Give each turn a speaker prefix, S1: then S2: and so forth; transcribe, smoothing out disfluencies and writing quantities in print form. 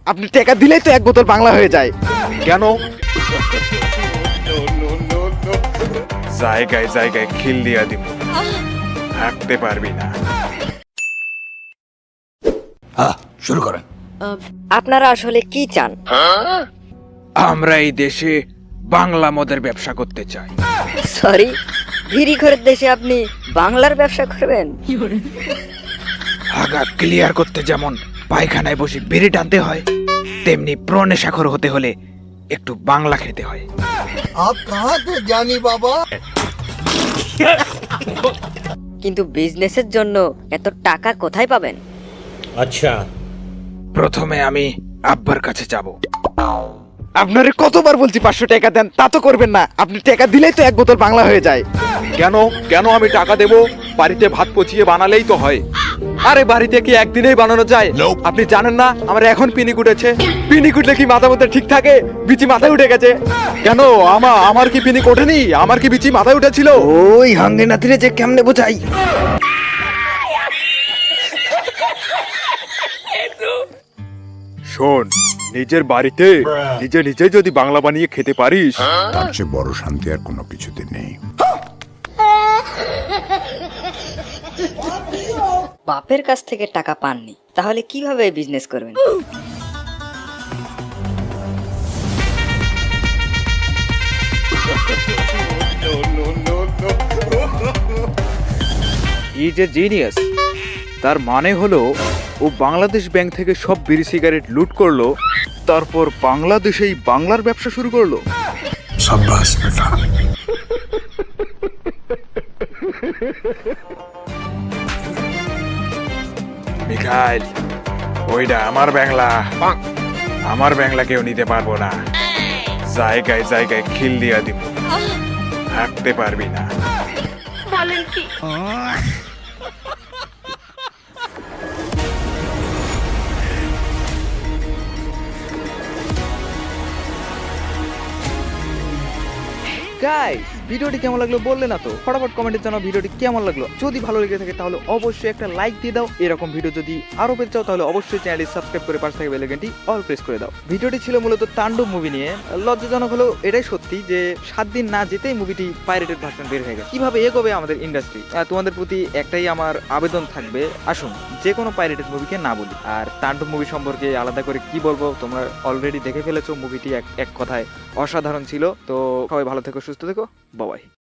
S1: আপনি টাকা দিলেই তো এক বোতল বাংলা হয়ে যায়।
S2: কেন? জায়গায় জায়গায় খিল দিয়া দিব, হাঁটতে পারবি না।
S3: শুরু করেন।
S4: আপনারা আসলে কি চান?
S2: আমরা এই দেশে বাংলা মদের ব্যবসা করতে চাই।
S4: সরি, ভিড়ি ঘরের দেশে আপনি বাংলার ব্যবসা করবেন?
S2: আগা ক্লিয়ার করতে যেমন পায়খানায় বসে বিড়ি টানতে হয়, তেমনি প্রনেশাখর হতে হলে একটু বাংলা খেতে হয়।
S3: আপ কাহা তে জানি বাবা?
S4: কিন্তু বিজনেসের জন্য এত টাকা কোথায় পাবেন?
S5: अच्छा
S2: প্রথমে আমি আব্বার কাছে যাব।
S1: আপনারে কতবার বলছি 500 টাকা দেন, তা তো করবেন না। আপনি টাকা দিলেই তো এক বোতল বাংলা হয়ে যায়।
S2: কেন কেন আমি টাকা দেব? বাড়িতে ভাত পচিয়ে বানালেই তো হয়। আরে বাড়িতে কি একদিনেই বানানো যায়? আপনি জানেন না আমার এখন পিনিক উঠেছে? পিনিক উঠলে কি মাথা মধ্যে ঠিক থাকে? বিচি মাথায় উঠে গেছে। কেন আমার কি পিনিক ওঠেনি? আমার কি বিচি মাথায় উঠেছিল?
S1: ওই হাঙ্গে নাতিরে যে কেমনে বোঝাই।
S2: শোন, নিজের বাড়িতে নিজে নিজে যদি বাংলা বানিয়ে খেতে পারিস,
S6: তার চেয়ে বড় শান্তি আর কোনো কিছুতে নেই।
S4: বাপের কাছ থেকে টাকা পাননি, তাহলে কিভাবে বিজনেস করবেন?
S2: ই যে জিনিয়াস। তার মানে হলো ও বাংলাদেশ ব্যাংক থেকে সব বিড়ি সিগারেট লুট করলো, তারপর বাংলাদেশেই বাংলার ব্যবসা শুরু করলো।
S6: সাব্বাস বেটা।
S2: মিখাইল, ওইটা আমার বাংলা। আমার বাংলা কেউ নিতে পারবো না। জায়গায় জায়গায় খিল দিয়া দিব, হাঁটতে পারবি না।
S1: গাইস, ভিডিওটি কেমন লাগলো বললে না তো? ফটাফট কমেন্টে জানাও ভিডিওটি কেমন লাগলো। যদি ভালো লেগে থাকে তাহলে অবশ্যই একটা লাইক দিয়ে দাও। এরকম ভিডিও যদি আরো পেতে চাও তাহলে অবশ্যই চ্যানেলটি সাবস্ক্রাইব করে পাশে থাকা বেল আইকনটি অল প্রেস করে দাও। ভিডিওটি ছিল মূলত তাণ্ডব মুভি নিয়ে। লজ্জাজনক হলেও এটাই সত্যি যে 7 দিন না যেতেই মুভিটি পাইরেটেড ভার্সন বের হয়ে গেছে। কিভাবে এগোবে আমাদের ইন্ডাস্ট্রি? তোমাদের প্রতি একটাই আমার আবেদন থাকবে, আসুন যে কোনো পাইরেটেড মুভিকে না বলি। আর তাণ্ডব মুভি সম্পর্কে আলাদা করে কি বলবো, তোমরা অলরেডি দেখে ফেলেছো। মুভিটি এক কথায় অসাধারণ ছিল। তো সবাই ভালো থেকো, সুস্থ থেকো, বাই।